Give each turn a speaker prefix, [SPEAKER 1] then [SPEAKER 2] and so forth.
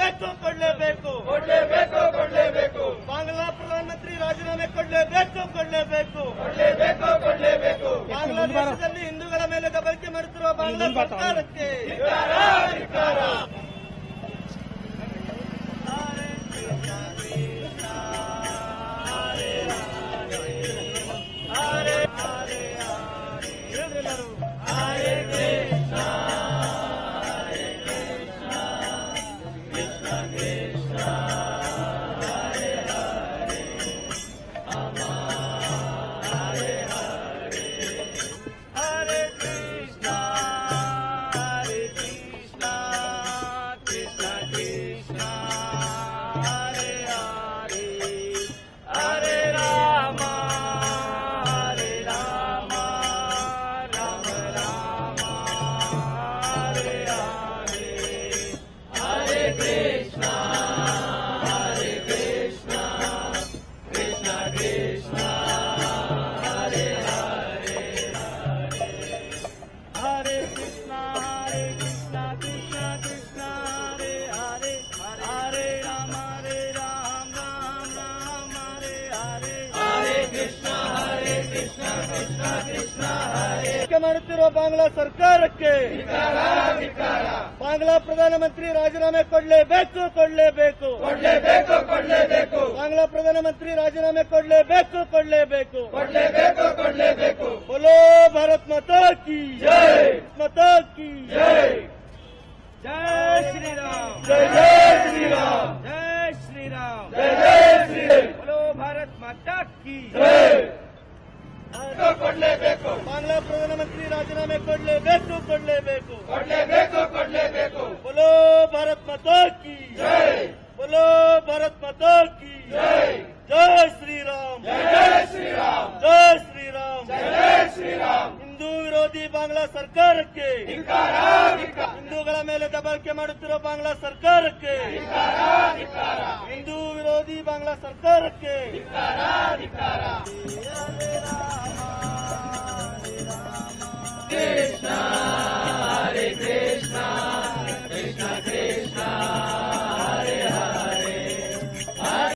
[SPEAKER 1] ಕೊಡಲೇಬೇಕು ಬಾಂಗ್ಲಾ ಪ್ರಧಾನಮಂತ್ರಿ ರಾಜೀನಾಮೆ ಕೊಡಲೇಬೇಕು ಬಾಂಗ್ಲಾದೇಶದಲ್ಲಿ ಹಿಂದೂಗಳ ಮೇಲೆ ದಬ್ಬಾಳಿಕೆ ಮಾಡುತ್ತಿರುವ ಬಾಂಗ್ಲಾ ಸರ್ಕಾರಕ್ಕೆ ಮಾಡುತ್ತಿರುವ ಬಾಂಗ್ಲಾ ಸರ್ಕಾರಕ್ಕೆ ಬಾಂಗ್ಲಾ ಪ್ರಧಾನಮಂತ್ರಿ ರಾಜೀನಾಮೆ ಕೊಡಲೇಬೇಕು ಬಾಂಗ್ಲಾ ಪ್ರಧಾನಮಂತ್ರಿ ರಾಜೀನಾಮೆ ಕೊಡಲೇಬೇಕು बोलो भारत माता की जय जय श्री राम जय श्री राम बोलो भारत माता की जय ಬಾಂಗ್ಲಾ ಪ್ರಧಾನಮಂತ್ರಿ ರಾಜೀನಾಮೆ ಕೊಡಲೇಬೇಕು बोलो भारत माता की जय बोलो भारत माता की जय जय श्री राम ಹಿಂದೂ ವಿರೋಧಿ ಬಾಂಗ್ಲಾ ಸರ್ಕಾರಕ್ಕೆ ಹಿಂದೂಗಳ ಮೇಲೆ ದಬ್ಬಾಳಿಕೆ ಮಾಡುತ್ತಿರುವ ಬಾಂಗ್ಲಾ ಸರ್ಕಾರಕ್ಕೆ ಹಿಂದೂ ವಿರೋಧಿ ಬಾಂಗ್ಲಾ ಸರ್ಕಾರಕ್ಕೆ